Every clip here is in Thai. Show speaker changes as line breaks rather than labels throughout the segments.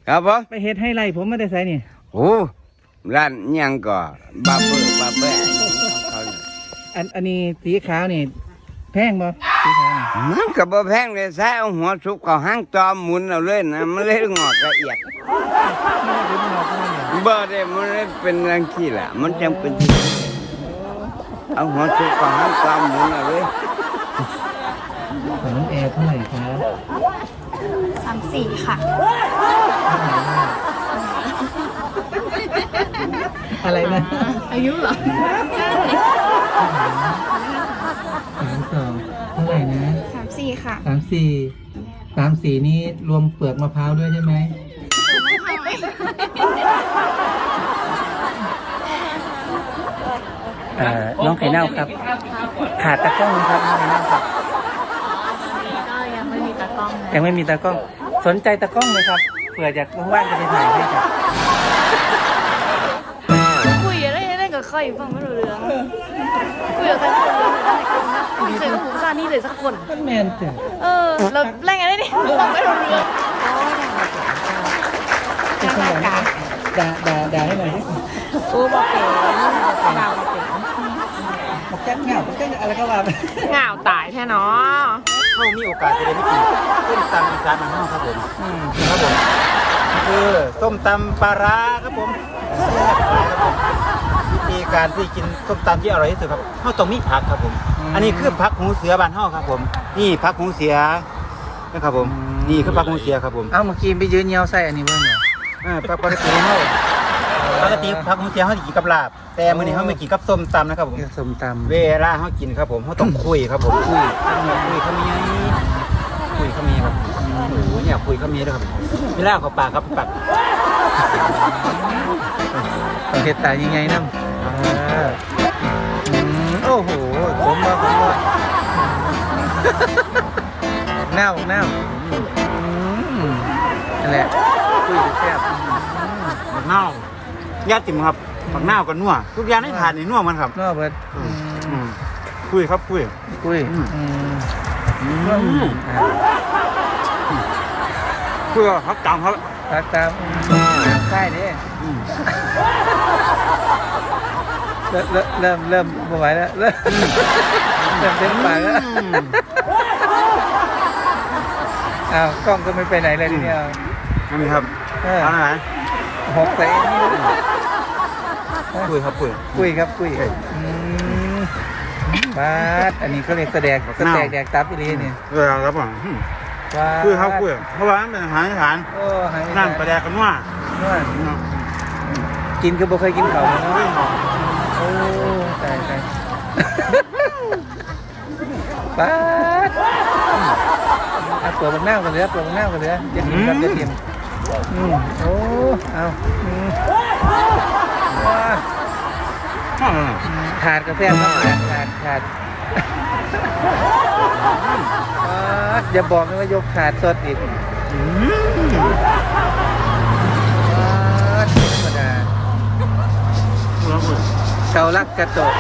ครับผม
ไปเฮ็ดให้ไรผมไม่ได้ใส่นี่
โอ้ร้านยังก็บาเบอร์
อันนี้สีขาวนี่แพงบ่สีขาวนี่
มันก็บ่แพงเลยใส่เอาหัวสุกเขาห้างจอมหมุนเอาเลยนะมันเลยงอกละเอียดบ่ได้มันเลยเป็นรังขี้แหละมันจำเป็นที่เอาหัวสุกเขาห้างจอมหมุนเอาเลย
ของน้องแอร์เท่าไหร่ครับ
34 ค่ะ
อะไรนะ
อายุเหรอ
32เท่าไหร่นะ
34 ค่ะ
34นี่รวมเปลือกมะพร้าวด้วยใช่ไหมน้องไข่เน่าครับขาดตากล้องครับน้องไข่เน่าครับ
ก็ยังไม่มีตากล้องนะ
ยังไม่มีตากล้องสนใจตากล้องไหมครับเผื่ออยากว่างๆจะไปถ่ายให้ครับ
คุยอะไรเล่นกับใครฟังไม่รู้เรื่องคุยกับใครไม่รู้เรื่องอะไรกันนะไม่เคยกับผู้ชายนี่เลยสักคน
แมนจ้ะ
เราเล่นไงได้ดิฟังไม่รู้เรื่อง
ด่าให้หน่อย
โอ้บอกเป็นดาวบอกเป็น
บอกแก้เหงาบอกแก้อะไรก็ว่าไป
เหงาตายแท้เนาะ
เขามีโอกาสจะได้ไม่กินส้มตำอีสานบ้านเฮาครับผมครับผมคือส้มตำปลาร้าครับผมวิธีการที่กินส้มตำที่อร่อยที่สุดครับเขาต้องมีผักครับผมอันนี้คือผักหูเสือบ้านเฮาครับผมนี่ผักหูเสือนะครับผมนี่คือผักหูเสือครับผม
เมื่อกี้ไปยืนเยียวใส่อันนี้เบิ่งเหรอ
ปกติเฮาปกติผักหูเสือเฮาสิกินกับลาบแต่มื้อนี้เฮาไม่กินกับส้มตำนะครับผม
ส้มตำ
เวลาเฮากินครับผมเฮาต้องคุยครับผมคุยเขามีครับโอ้โหเนี่ยคุยเขามีด้วยครับเวลาเขาปากครับปาก
เห็ดตายยังไงน้ำโอ้โหผมว่าเน่านั่นแหละคุยแซ่บ
เน่าญาติมครับผักเน่ากับนัวทุกอย่างในถาดนี่นัวมันครับ
นัวเบิด
คุยครับคุยเขาตามครับ
ใช่ดิเริ่มไม่ไหวแล้วเริ่มเต็มปากแล้วกล้องก็ไม่ไปไหนเลยทีเดียว
นี่ครับอะไร
หกใส่นี่
คุยครับ
บาสอันนี้เขาเรียกแสดงแดกตับอีลีนี่
ครับผมคุยเพราะว่าเป็นอาหารอีสานนั่งประแดกกันว่า
กินก็บ่เคยกินเขาเนาะโอ้ตายบาสเปิดบนหน้ากันเลยจะกินครับจะกินโอ้เอาขาดกาแฟครับขาดอย่าบอกนะว่ายกขาดสดอีกธรรมดาเกาลักกระโตก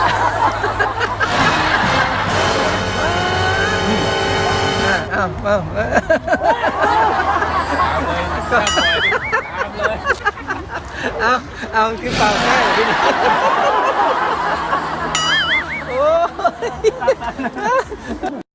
เอาคือเปล่าแค่ที่นี่โอ้